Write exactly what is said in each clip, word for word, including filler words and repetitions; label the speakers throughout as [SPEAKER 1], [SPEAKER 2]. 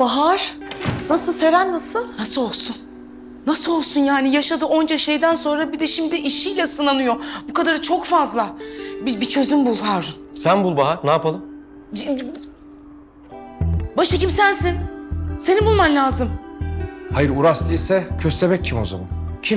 [SPEAKER 1] Bahar, nasıl Seren nasıl?
[SPEAKER 2] Nasıl olsun? Nasıl olsun yani? Yaşadığı onca şeyden sonra bir de şimdi işiyle sınanıyor. Bu kadarı çok fazla. Bir, bir çözüm bul Harun.
[SPEAKER 3] Sen bul Bahar, ne yapalım?
[SPEAKER 2] Başhekim sensin. Seni bulman lazım.
[SPEAKER 4] Hayır Uras değilse Köstebek kim o zaman? Kim?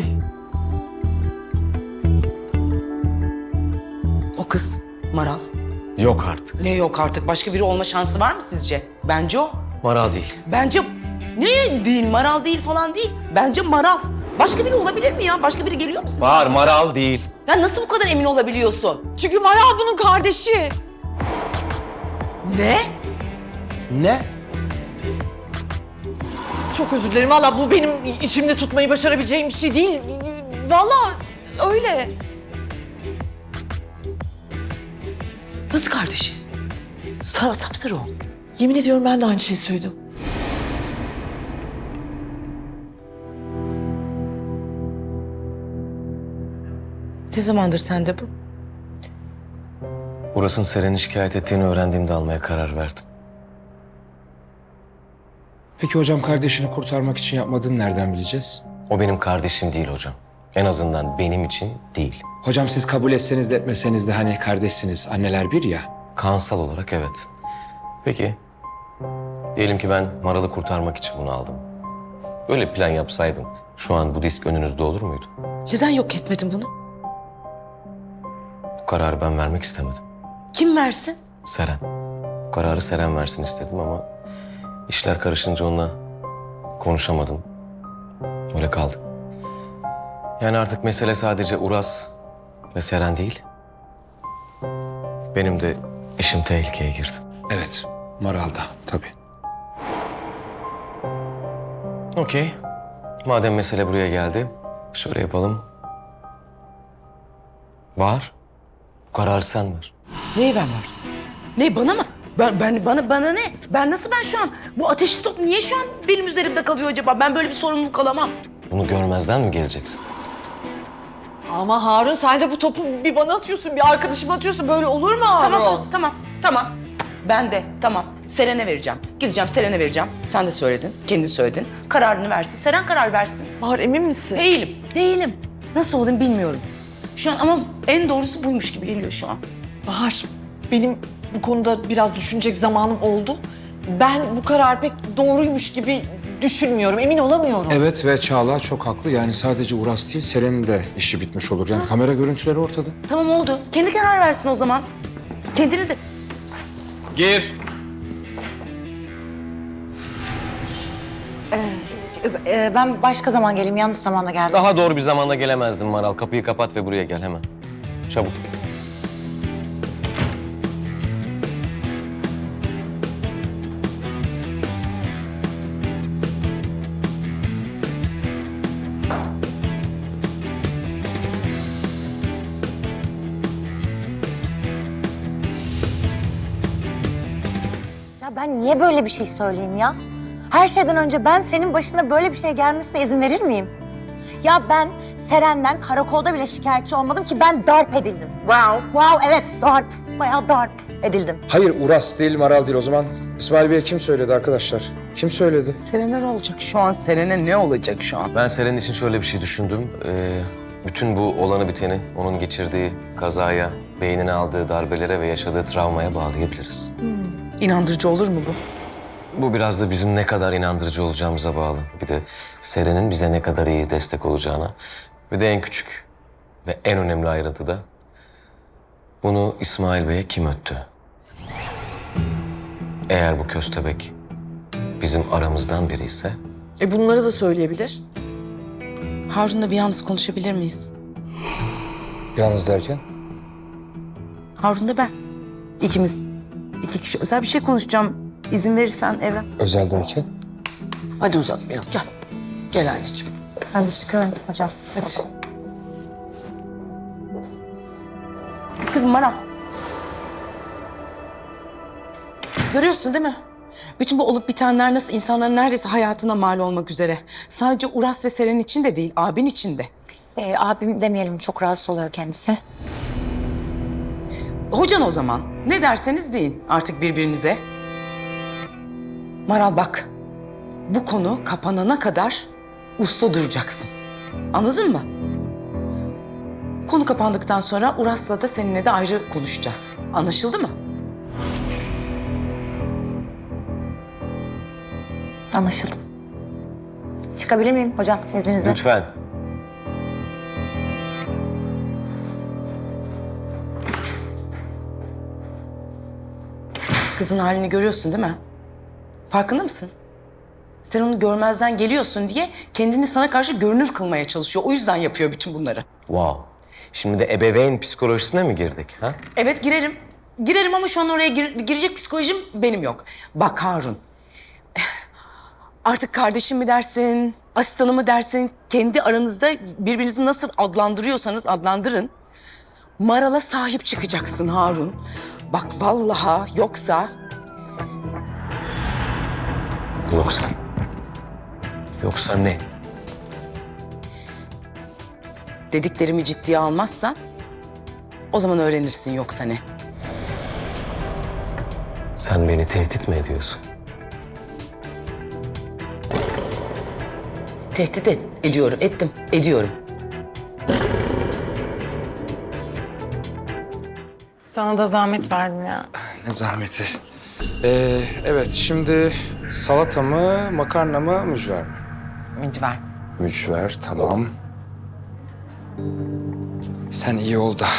[SPEAKER 2] O kız Maral.
[SPEAKER 3] Yok artık.
[SPEAKER 2] Ne yok artık? Başka biri olma şansı var mı sizce? Bence o.
[SPEAKER 3] Maral değil.
[SPEAKER 2] Bence ne değil? Maral değil falan değil. Bence Maral. Başka biri olabilir mi ya? Başka biri geliyor mu size?
[SPEAKER 3] Bahar, Maral değil.
[SPEAKER 2] Ya nasıl bu kadar emin olabiliyorsun?
[SPEAKER 1] Çünkü Maral bunun kardeşi.
[SPEAKER 2] Ne?
[SPEAKER 4] Ne?
[SPEAKER 1] Çok özür dilerim. Valla bu benim içimde tutmayı başarabileceğim bir şey değil. Vallahi öyle.
[SPEAKER 2] Nasıl kardeşi? Sa sapsarı o.
[SPEAKER 1] Yemin ediyorum ben de aynı şeyi söyledim.
[SPEAKER 2] Ne zamandır sende bu?
[SPEAKER 3] Uras'ın Seren'i şikayet ettiğini öğrendiğimde almaya karar verdim.
[SPEAKER 4] Peki hocam kardeşini kurtarmak için yapmadığını nereden bileceğiz?
[SPEAKER 3] O benim kardeşim değil hocam. En azından benim için değil.
[SPEAKER 4] Hocam siz kabul etseniz de etmeseniz de hani kardeşsiniz, anneler bir ya.
[SPEAKER 3] Kansal olarak evet. Peki, diyelim ki ben Maral'ı kurtarmak için bunu aldım. Böyle plan yapsaydım şu an bu disk önünüzde olur muydu?
[SPEAKER 2] Neden yok etmedin bunu?
[SPEAKER 3] Bu kararı ben vermek istemedim.
[SPEAKER 2] Kim versin?
[SPEAKER 3] Seren. Bu kararı Seren versin istedim ama işler karışınca onunla konuşamadım. Öyle kaldı. Yani artık mesele sadece Uras ve Seren değil. Benim de işim tehlikeye girdi.
[SPEAKER 4] Evet, Maral'da tabii.
[SPEAKER 3] Okey. Madem mesele buraya geldi, şöyle yapalım. Bahar, bu kararı sen ver.
[SPEAKER 2] Neyi ben var? Ne bana mı? Ben, ben bana bana ne? Ben nasıl ben şu an? Bu ateşli top niye şu an benim üzerimde kalıyor acaba? Ben böyle bir sorumluluk alamam.
[SPEAKER 3] Bunu görmezden mi geleceksin?
[SPEAKER 1] Ama Harun sen de bu topu bir bana atıyorsun, bir arkadaşıma atıyorsun. Böyle olur mu Harun?
[SPEAKER 2] Tamam tamam tamam tamam. Ben de tamam. Seren'e vereceğim. Gideceğim Seren'e vereceğim. Sen de söyledin. Kendin söyledin. Kararını versin. Seren karar versin.
[SPEAKER 1] Bahar emin misin?
[SPEAKER 2] Değilim. Değilim. Nasıl olduğunu bilmiyorum. Şu an ama en doğrusu buymuş gibi geliyor şu an.
[SPEAKER 1] Bahar, benim bu konuda biraz düşünecek zamanım oldu. Ben bu karar pek doğruymuş gibi düşünmüyorum, emin olamıyorum.
[SPEAKER 4] Evet ve Çağla çok haklı. Yani sadece Uras değil, Seren'in de işi bitmiş olur. Yani kamera görüntüleri ortada.
[SPEAKER 2] Tamam oldu. Kendi karar versin o zaman. Kendini de...
[SPEAKER 3] Gir.
[SPEAKER 5] Ee, ben başka zaman geleyim. Yanlış zamanda geldim.
[SPEAKER 3] Daha doğru bir zamanda gelemezdin Maral. Kapıyı kapat ve buraya gel hemen. Çabuk.
[SPEAKER 5] Ya ben niye böyle bir şey söyleyeyim ya? Her şeyden önce ben senin başına böyle bir şey gelmesine izin verir miyim? Ya ben Seren'den karakolda bile şikayetçi olmadım ki ben darp edildim. Wow. Wow evet darp. Bayağı darp edildim.
[SPEAKER 4] Hayır Uras değil, Maral değil. O zaman İsmail Bey'e kim söyledi arkadaşlar? Kim söyledi?
[SPEAKER 2] Seren'e ne olacak şu an? Seren'e ne olacak şu an?
[SPEAKER 3] Ben Seren için şöyle bir şey düşündüm. Ee, bütün bu olanı biteni onun geçirdiği kazaya, beynine aldığı darbelere ve yaşadığı travmaya bağlayabiliriz.
[SPEAKER 2] İnandırıcı olur mu bu?
[SPEAKER 3] Bu biraz da bizim ne kadar inandırıcı olacağımıza bağlı. Bir de Seren'in bize ne kadar iyi destek olacağına. Bir de en küçük ve en önemli ayrıntı da bunu İsmail Bey'e kim öttü? Eğer bu köstebek bizim aramızdan biri ise
[SPEAKER 1] E bunları da söyleyebilir.
[SPEAKER 2] Harun'la bir yalnız konuşabilir miyiz?
[SPEAKER 4] Yalnız derken?
[SPEAKER 2] Harun'la ben. İkimiz. İki kişi. Özel bir şey konuşacağım. İzin verirsen Evren.
[SPEAKER 4] Özel derken?
[SPEAKER 2] Hadi uzatmayalım. Gel. Gel anneciğim.
[SPEAKER 5] Ben de çıkıyorum hocam.
[SPEAKER 2] Hadi. Kızım bana. Görüyorsun değil mi? Bütün bu olup bitenler nasıl insanların neredeyse hayatına mal olmak üzere. Sadece Uras ve Seren için de değil, abin için de.
[SPEAKER 5] Ee, abim demeyelim çok rahatsız oluyor kendisi.
[SPEAKER 2] Hocan o zaman. Ne derseniz deyin artık birbirinize. Maral bak, bu konu kapanana kadar usta duracaksın. Anladın mı? Konu kapandıktan sonra Uras'la da seninle de ayrı konuşacağız. Anlaşıldı mı?
[SPEAKER 5] Anlaşıldı. Çıkabilir miyim hocam izninizle?
[SPEAKER 3] Lütfen.
[SPEAKER 2] Kızın halini görüyorsun değil mi? Farkında mısın? Sen onu görmezden geliyorsun diye kendini sana karşı görünür kılmaya çalışıyor. O yüzden yapıyor bütün bunları.
[SPEAKER 3] Wow. Şimdi de ebeveyn psikolojisine mi girdik? Ha?
[SPEAKER 2] Evet girerim. Girerim ama şu an oraya gir- girecek psikolojim benim yok. Bak Harun. Artık kardeşim mi dersin, asistanı mı dersin? Kendi aranızda birbirinizi nasıl adlandırıyorsanız adlandırın. Maral'a sahip çıkacaksın Harun. Bak vallaha yoksa
[SPEAKER 3] Yoksa? Yoksa ne?
[SPEAKER 2] dediklerimi ciddiye almazsan o zaman öğrenirsin yoksa ne.
[SPEAKER 3] Sen beni tehdit mi ediyorsun?
[SPEAKER 2] Tehdit et, ediyorum, ettim, ediyorum.
[SPEAKER 6] Sana da zahmet verdim ya.
[SPEAKER 4] Ne zahmeti. Ee, evet, şimdi salata mı, makarna mı, mücver mi?
[SPEAKER 6] Mücver.
[SPEAKER 4] Mücver, tamam. Sen iyi ol da.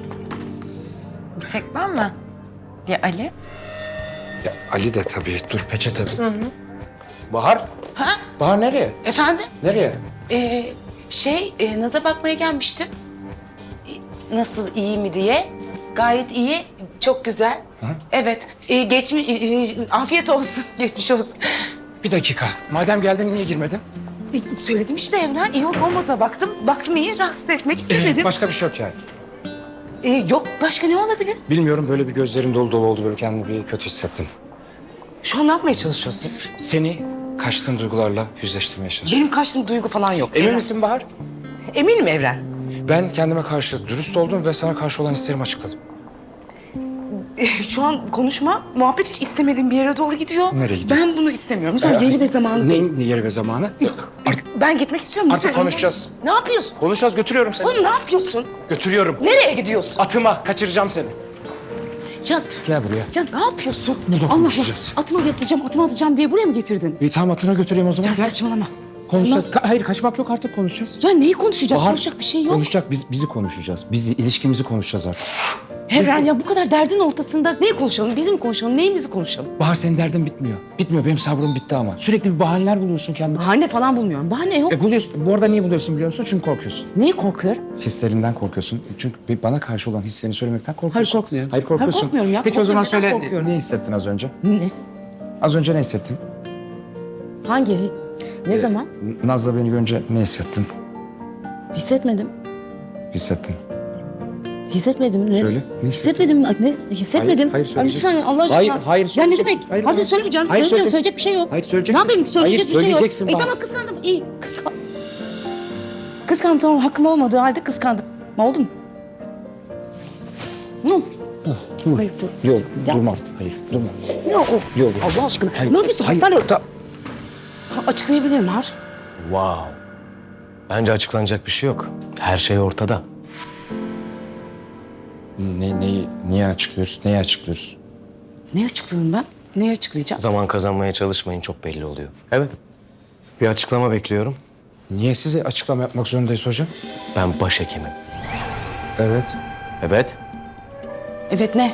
[SPEAKER 6] Bir tek ben mi? Ya Ali?
[SPEAKER 4] Ya Ali de tabii. Dur peçete. Hı hı. Bahar.
[SPEAKER 2] Ha?
[SPEAKER 4] Bahar nereye?
[SPEAKER 2] Efendim?
[SPEAKER 4] Nereye?
[SPEAKER 2] Ee, şey, e, Naz'a bakmaya gelmiştim. E, Nasıl, iyi mi diye. Gayet iyi, çok güzel. Evet, e, geçmi, e, e, afiyet olsun, geçmiş olsun.
[SPEAKER 4] Bir dakika. Madem geldin niye girmedin?
[SPEAKER 2] E, söyledim işte Evren, iyi olup olmadığına baktım. Baktım iyi, rahatsız etmek istemedim.
[SPEAKER 4] Başka bir şey yok yani.
[SPEAKER 2] E, yok, başka ne olabilir?
[SPEAKER 4] Bilmiyorum, böyle bir gözlerin dolu dolu oldu, böyle kendini bir kötü hissettin.
[SPEAKER 2] Şu an ne yapmaya çalışıyorsun?
[SPEAKER 4] Seni kaçtığın duygularla yüzleştirmeye çalışıyorum.
[SPEAKER 2] Benim kaçtığım duygu falan yok.
[SPEAKER 4] Emin
[SPEAKER 2] Evren.
[SPEAKER 4] misin Bahar?
[SPEAKER 2] Eminim Evren.
[SPEAKER 4] Ben kendime karşı dürüst oldum ve sana karşı olan hislerimi açıkladım.
[SPEAKER 2] E, şu an konuşma, muhabbet hiç istemediğim bir yere doğru gidiyor.
[SPEAKER 4] Nereye gidiyor?
[SPEAKER 2] Ben bunu istemiyorum. Lütfen yeri ve zamanı değil.
[SPEAKER 4] Neyin yeri ve zamanı?
[SPEAKER 2] Ben gitmek istiyorum.
[SPEAKER 4] Artık
[SPEAKER 2] lütfen.
[SPEAKER 4] konuşacağız.
[SPEAKER 2] Ne yapıyorsun?
[SPEAKER 4] Konuşacağız, götürüyorum seni.
[SPEAKER 2] Oğlum ne yapıyorsun?
[SPEAKER 4] Götürüyorum.
[SPEAKER 2] Nereye gidiyorsun?
[SPEAKER 4] Atıma, kaçıracağım seni.
[SPEAKER 2] Ya,
[SPEAKER 4] Gel buraya.
[SPEAKER 2] ya ne yapıyorsun?
[SPEAKER 4] Burada
[SPEAKER 2] Allah
[SPEAKER 4] konuşacağız.
[SPEAKER 2] Allah. Atıma getireceğim, atıma atacağım diye buraya mı getirdin?
[SPEAKER 4] İyi tamam, atına götüreyim o zaman.
[SPEAKER 2] Ya
[SPEAKER 4] Gel.
[SPEAKER 2] saçmalama.
[SPEAKER 4] Konuşacağız. Ka- hayır, kaçmak yok, artık konuşacağız.
[SPEAKER 2] Ya neyi konuşacağız?
[SPEAKER 4] Bahar,
[SPEAKER 2] Konuşacak bir şey yok.
[SPEAKER 4] Konuşacak, biz, bizi konuşacağız. Bizi, ilişkimizi konuşacağız artık.
[SPEAKER 2] Evren ya bu kadar derdin ortasında neyi konuşalım? Bizim mi konuşalım? Neyimizi konuşalım?
[SPEAKER 4] Bahar, senin derdin bitmiyor. Bitmiyor, benim sabrım bitti ama. Sürekli bir bahaneler buluyorsun kendine.
[SPEAKER 2] Bahane falan bulmuyorum. Bahane yok.
[SPEAKER 4] E buluyorsun. Bu arada niye buluyorsun biliyor musun? Çünkü korkuyorsun.
[SPEAKER 2] Neyi korkuyorum?
[SPEAKER 4] Hislerinden korkuyorsun. Çünkü bir- bana karşı olan hislerini söylemekten korkuyorsun.
[SPEAKER 2] Hayır, korkmuyorum.
[SPEAKER 4] Hayır korkuyorsun.
[SPEAKER 2] Hayır, korkmuyorum ya.
[SPEAKER 4] Peki o zaman
[SPEAKER 2] Korkmuyorum.
[SPEAKER 4] söyle,
[SPEAKER 2] Neden korkuyorum?
[SPEAKER 4] ne hissettin az önce?
[SPEAKER 2] Ne?
[SPEAKER 4] Az önce ne hissettin?
[SPEAKER 2] Hangi? Ne zaman?
[SPEAKER 4] Naz'la beni görünce ne hissettin?
[SPEAKER 2] Hissetmedim.
[SPEAKER 4] Hissettin.
[SPEAKER 2] Hissetmedim. Ne?
[SPEAKER 4] Söyle, ne
[SPEAKER 2] Hissetmedim. Ne? Hissetmedim.
[SPEAKER 4] Hayır, hayır,
[SPEAKER 2] Ay,
[SPEAKER 4] söyleyeceksin.
[SPEAKER 2] lütfen Allah aşkına.
[SPEAKER 4] Hayır, hayır,
[SPEAKER 2] Ya ne
[SPEAKER 4] söyleyeceksin.
[SPEAKER 2] demek?
[SPEAKER 4] Hayır,
[SPEAKER 2] Hayır,
[SPEAKER 4] hayır.
[SPEAKER 2] söylemeyeceğim.
[SPEAKER 4] Hayır,
[SPEAKER 2] Söylemiyorum.
[SPEAKER 4] söyleyeceksin.
[SPEAKER 2] Söyleyecek bir şey yok.
[SPEAKER 4] Hayır, söyleyeceksin.
[SPEAKER 2] Ne yapayım? Söyleyecek
[SPEAKER 4] Hayır,
[SPEAKER 2] bir şey yok.
[SPEAKER 4] söyleyeceksin
[SPEAKER 2] E
[SPEAKER 4] bana.
[SPEAKER 2] tamam kıskandım. İyi. Kıskan... Kıskandım tamam. Hakkım olmadığı halde kıskandım. Ne oldu mu? Ne oldu?
[SPEAKER 4] Dur.
[SPEAKER 2] Hayır dur.
[SPEAKER 4] Yok,
[SPEAKER 2] Ya.
[SPEAKER 4] durma. Hayır, durma.
[SPEAKER 2] Yok.
[SPEAKER 4] Yok.
[SPEAKER 2] Allah aşkına.
[SPEAKER 4] Hayır.
[SPEAKER 2] Ne yapıyorsun?
[SPEAKER 4] Hayır.
[SPEAKER 2] Hastane
[SPEAKER 4] Ta-
[SPEAKER 2] Ha, açıklayabilirim Har.
[SPEAKER 3] Wow. Bence açıklanacak bir şey yok. Her şey ortada.
[SPEAKER 4] Ne, neyi, niye açıklıyoruz? Neyi açıklıyoruz?
[SPEAKER 2] Ne açıklıyorum ben? Neyi açıklayacağım?
[SPEAKER 3] Zaman kazanmaya çalışmayın, çok belli oluyor. Evet. Bir açıklama bekliyorum.
[SPEAKER 4] Niye size açıklama yapmak zorundayız hocam?
[SPEAKER 3] Ben başhekimim.
[SPEAKER 4] Evet.
[SPEAKER 3] Evet.
[SPEAKER 2] Evet ne?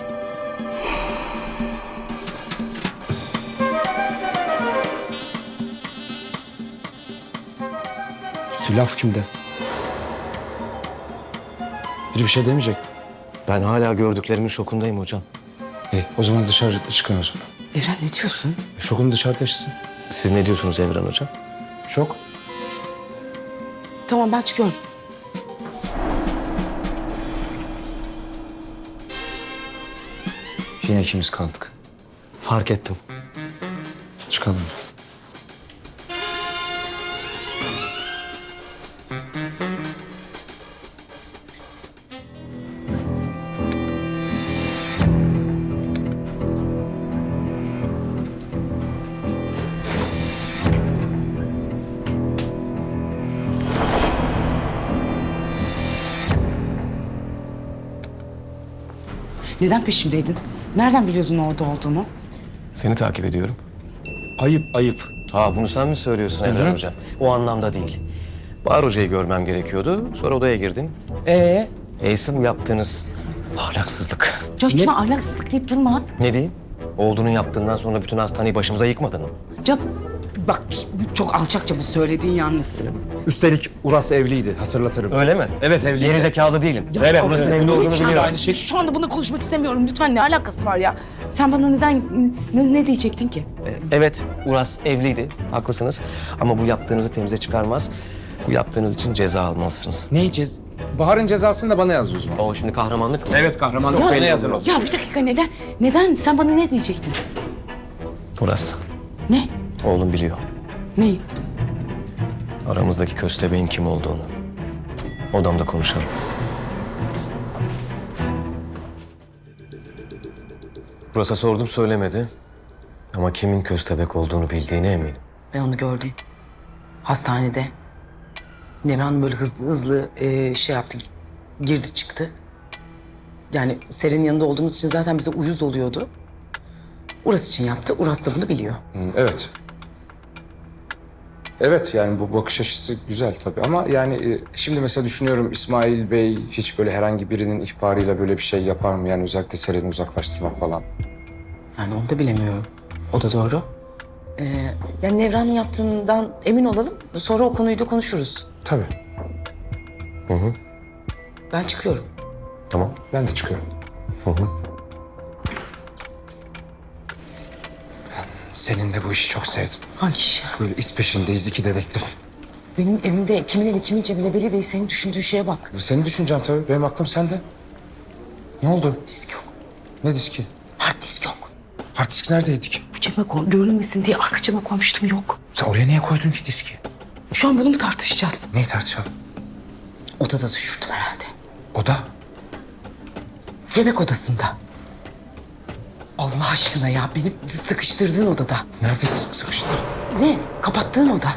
[SPEAKER 4] Laf kimde? Biri bir şey demeyecek.
[SPEAKER 3] Ben hala gördüklerimin şokundayım hocam.
[SPEAKER 4] E, o zaman dışarı çıkın o zaman.
[SPEAKER 2] Evren ne diyorsun?
[SPEAKER 4] Şokunu dışarıda yaşasın.
[SPEAKER 3] Siz ne diyorsunuz Evren hocam?
[SPEAKER 4] Şok.
[SPEAKER 2] Tamam ben çıkıyorum.
[SPEAKER 4] Yine ikimiz kaldık.
[SPEAKER 3] Fark ettim.
[SPEAKER 4] Çıkalım.
[SPEAKER 2] Neden peşimdeydin? Nereden biliyordun orada olduğumu?
[SPEAKER 3] Seni takip ediyorum.
[SPEAKER 4] Ayıp, ayıp.
[SPEAKER 3] Ha bunu sen mi söylüyorsun Evren Hocam? O anlamda değil. Bahar Hoca'yı görmem gerekiyordu. Sonra odaya girdin.
[SPEAKER 2] Ee?
[SPEAKER 3] Eys'in yaptığınız ahlaksızlık.
[SPEAKER 2] Ya lütfen ahlaksızlık deyip durma.
[SPEAKER 3] Ne diyeyim? Oğlunun yaptığından sonra bütün hastaneyi başımıza yıkmadın mı?
[SPEAKER 2] Ya bak çok alçakça bu söylediğin yalnız.
[SPEAKER 4] Üstelik Uras evliydi, hatırlatırım.
[SPEAKER 3] Öyle mi?
[SPEAKER 4] Evet, evliydi.
[SPEAKER 3] Geri zekalı değilim.
[SPEAKER 2] Ya,
[SPEAKER 3] evet,
[SPEAKER 2] ya,
[SPEAKER 3] burası
[SPEAKER 2] ya,
[SPEAKER 3] evli olduğunu
[SPEAKER 2] lütfen.
[SPEAKER 3] biliyorum.
[SPEAKER 4] Aynı şey.
[SPEAKER 2] Şu anda bunu konuşmak istemiyorum. Lütfen ne alakası var ya? Sen bana neden, ne, ne diyecektin ki?
[SPEAKER 3] Ee, Evet, Uras evliydi. Haklısınız. Ama bu yaptığınızı temize çıkarmaz. Bu yaptığınız için ceza almalısınız.
[SPEAKER 4] Ne yiyeceğiz? Bahar'ın cezasını da bana yaz o zaman.
[SPEAKER 3] O şimdi kahramanlık mı?
[SPEAKER 4] Evet, kahramanlık
[SPEAKER 2] Ya,
[SPEAKER 4] bana yazın o zaman.
[SPEAKER 2] Ya bir dakika neden? Neden? Sen bana ne diyecektin?
[SPEAKER 3] Uras,
[SPEAKER 2] Ne?
[SPEAKER 3] oğlum biliyor.
[SPEAKER 2] Neyi?
[SPEAKER 3] Aramızdaki köstebeğin kim olduğunu. Odamda konuşalım. Uras'a sordum söylemedi. Ama kimin köstebek olduğunu bildiğine eminim.
[SPEAKER 2] Ben onu gördüm. Hastanede. Nevran böyle hızlı hızlı e, şey yaptı. Girdi çıktı. Yani Seren'in yanında olduğumuz için zaten bize uyuz oluyordu. Uras için yaptı. Uras da bunu biliyor.
[SPEAKER 4] Hı, evet. Evet, yani bu bakış açısı güzel tabii ama yani e, şimdi mesela düşünüyorum İsmail Bey hiç böyle herhangi birinin ihbarıyla böyle bir şey yapar mı? Yani özellikle Seren'i uzaklaştırmak falan.
[SPEAKER 2] Yani onu da bilemiyorum. O da doğru. Ee, yani Nevran'ın yaptığından emin olalım. Sonra o konuyu da konuşuruz.
[SPEAKER 4] Tabii,
[SPEAKER 3] Hı hı.
[SPEAKER 2] Ben çıkıyorum.
[SPEAKER 3] Tamam.
[SPEAKER 4] ben de çıkıyorum.
[SPEAKER 3] Hı hı.
[SPEAKER 4] Senin de bu işi çok sevdim.
[SPEAKER 2] Hangi iş?
[SPEAKER 4] Böyle iz peşindeyiz, iki dedektif.
[SPEAKER 2] Benim evimde kimin eli kimin cebine belli değil. Senin düşündüğün şeye bak.
[SPEAKER 4] Seni düşüneceğim tabii, benim aklım sende. Ne oldu?
[SPEAKER 2] Disk yok.
[SPEAKER 4] Ne diski?
[SPEAKER 2] Hard disk yok.
[SPEAKER 4] Hard disk neredeydik?
[SPEAKER 2] Bu cebe koy, görünmesin diye arka cebe koymuştum yok.
[SPEAKER 4] Sen oraya niye koydun ki diski?
[SPEAKER 2] Şu an bunu mu tartışacağız?
[SPEAKER 4] Neyi tartışalım?
[SPEAKER 2] Odada düşürdüm herhalde.
[SPEAKER 4] Oda.
[SPEAKER 2] Yemek odasında. Allah aşkına ya beni sıkıştırdığın odada.
[SPEAKER 4] Nerede sık sıkıştır?
[SPEAKER 2] Ne? Kapattığın oda.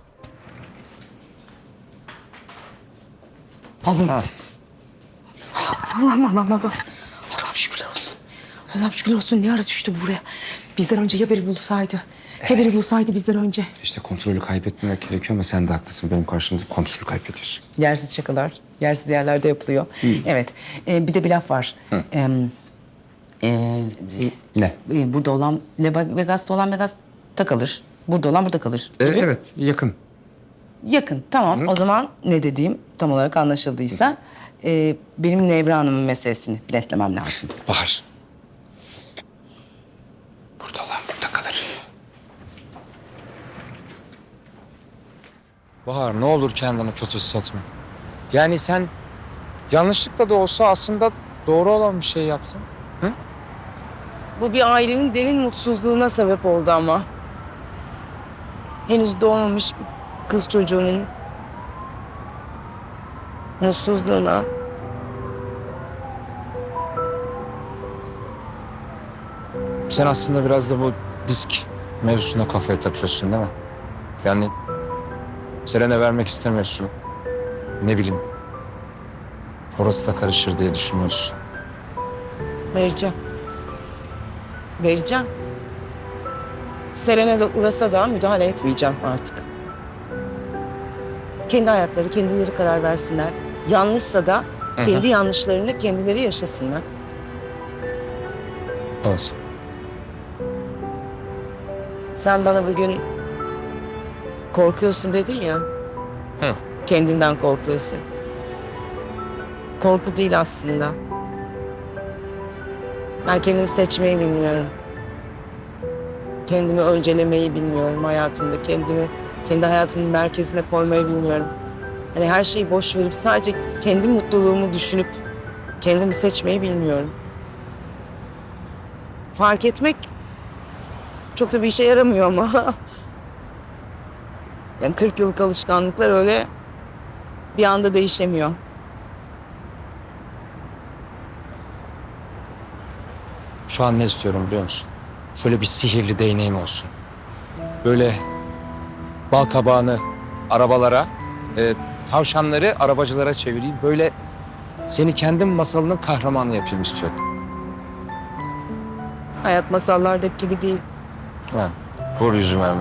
[SPEAKER 2] Allah'ım. Allah'ım Allah'ım Allah'ım. Allah'ım şükürler olsun. Allah'ım şükürler olsun. Ne ara düştü bu buraya? Bizden önce ya beni bulsaydı. Ya beni bulsaydı bizden önce.
[SPEAKER 4] İşte kontrolü kaybetmemek gerekiyor ama sen de haklısın. Benim karşımda kontrolü kaybediyorsun.
[SPEAKER 2] Yersiz şakalar, yersiz yerlerde yapılıyor. Evet. Ee, bir de bir laf var. Ee, e,
[SPEAKER 4] Ne?
[SPEAKER 2] e, burada olan, Le- Vegas'ta olan Vegas'ta kalır. Burada olan burada kalır.
[SPEAKER 4] E,
[SPEAKER 2] gibi.
[SPEAKER 4] evet, yakın.
[SPEAKER 2] Yakın. Tamam. O zaman ne dediğim tam olarak anlaşıldıysa e, benim Nevra Hanım'ın meselesini biletlemem lazım.
[SPEAKER 4] Bahar. Burada olan burada kalır. Bahar, ne olur kendini kötü hissetme. Yani sen yanlışlıkla da olsa aslında doğru olan bir şey yaptın.
[SPEAKER 2] Bu bir ailenin derin mutsuzluğuna sebep oldu ama. Henüz doğmamış bir kız çocuğunun mutsuzluğuna.
[SPEAKER 4] Sen aslında biraz da bu disk mevzusuna kafaya takıyorsun değil mi? Yani Seren'e vermek istemiyorsun. Ne bileyim. Orası da karışır diye düşünüyorsun.
[SPEAKER 2] Vereceğim. Vereceğim. Seren'e de Uras'a da müdahale etmeyeceğim artık. Kendi hayatları, kendileri karar versinler. Yanlışsa da kendi yanlışlarını kendileri yaşasınlar.
[SPEAKER 4] Evet.
[SPEAKER 2] Sen bana bugün korkuyorsun dedin ya.
[SPEAKER 3] Hı.
[SPEAKER 2] Kendinden korkuyorsun. Korku değil aslında. Ben kendimi seçmeyi bilmiyorum. Kendimi öncelemeyi bilmiyorum hayatımda. Kendimi kendi hayatımın merkezine koymayı bilmiyorum. Hani her şeyi boş verip sadece kendi mutluluğumu düşünüp kendimi seçmeyi bilmiyorum. Fark etmek çok da bir işe yaramıyor ama. Yani kırk yıllık alışkanlıklar öyle bir anda değişemiyor.
[SPEAKER 4] Şu an ne istiyorum biliyor musun? Şöyle bir sihirli değneğim olsun. Böyle bal kabağını arabalara, e, tavşanları arabacılara çevireyim. Böyle seni kendim masalının kahramanı yapayım istiyorum.
[SPEAKER 2] Hayat masallardaki gibi değil.
[SPEAKER 4] Ha, vur yüzüme hemen.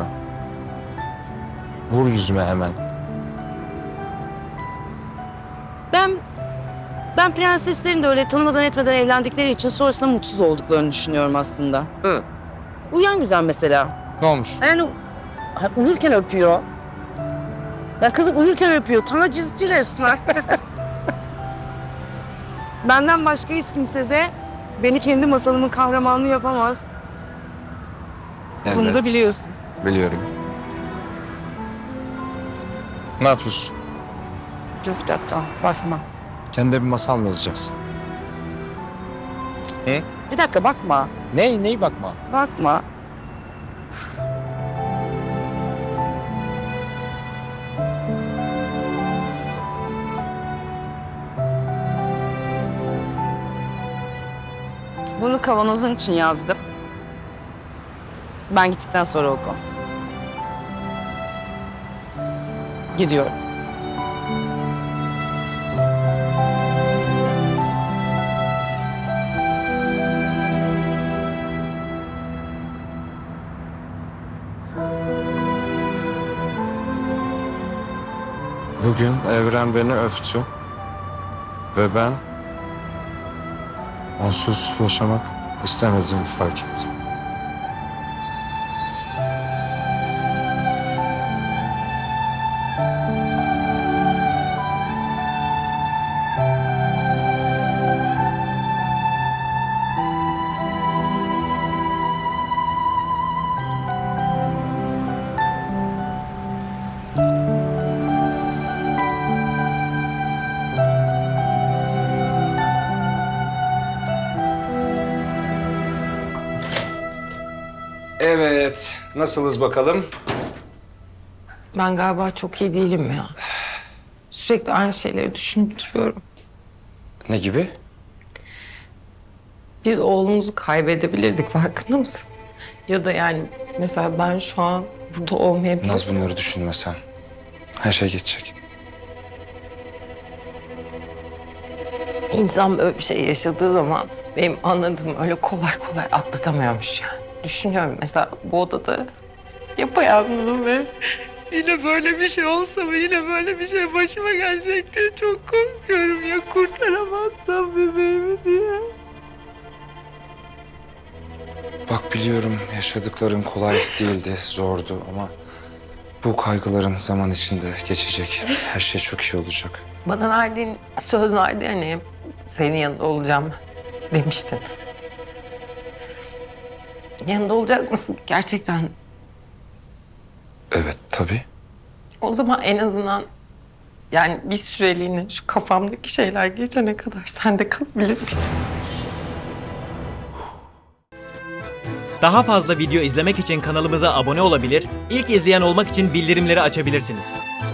[SPEAKER 4] Vur yüzüme hemen.
[SPEAKER 2] Ben ben prenseslerin de öyle tanımadan etmeden evlendikleri için sonrasında mutsuz olduklarını düşünüyorum aslında.
[SPEAKER 4] Hı.
[SPEAKER 2] Uyan güzel mesela.
[SPEAKER 4] Ne olmuş?
[SPEAKER 2] Yani ha, uyurken öpüyor. Ya kızım uyurken öpüyor. Tacizci resmen. Benden başka hiç kimse de beni kendi masalımın kahramanı yapamaz. Bunu
[SPEAKER 4] Evet,
[SPEAKER 2] da biliyorsun.
[SPEAKER 4] biliyorum. Ne yapıyorsun?
[SPEAKER 2] Dur bir dakika bakma.
[SPEAKER 4] Kendine bir masal mı yazacaksın?
[SPEAKER 2] Bir dakika bakma.
[SPEAKER 4] Ney, ney bakma?
[SPEAKER 2] Bakma. Bunu kavanozun için yazdım. Ben gittikten sonra oku. Gidiyorum.
[SPEAKER 4] Bugün evren beni öptü. Ve ben onsuz yaşamak istemediğimi fark ettim. Evet, nasılız bakalım?
[SPEAKER 6] Ben galiba çok iyi değilim ya. Sürekli aynı şeyleri düşünüp duruyorum.
[SPEAKER 4] Ne gibi?
[SPEAKER 6] Bir oğlumuzu kaybedebilirdik, farkında mısın? Ya da yani mesela ben şu an burada olmayabilirim.
[SPEAKER 7] Naz, bunları düşünme sen. Her şey geçecek.
[SPEAKER 6] İnsan böyle bir şey yaşadığı zaman benim anladığım öyle kolay kolay atlatamıyormuş yani. Düşünüyorum mesela bu odada yapayalnızım ve yine böyle bir şey olsa mı, yine böyle bir şey başıma gelecek diye çok korkuyorum ya, kurtaramazsam bebeğimi diye.
[SPEAKER 7] Bak, biliyorum yaşadıkların kolay değildi, zordu ama bu kaygıların zaman içinde geçecek. Her şey çok iyi olacak.
[SPEAKER 6] Bana verdiğin söz vardı ya, hani senin yanında olacağım demiştin. Yanında olacak mısın gerçekten?
[SPEAKER 7] Evet, tabii.
[SPEAKER 6] O zaman en azından yani bir süreliğine şu kafamdaki şeyler geçene kadar sen de kalabilir misin?
[SPEAKER 8] Daha fazla video izlemek için kanalımıza abone olabilir, ilk izleyen olmak için bildirimleri açabilirsiniz.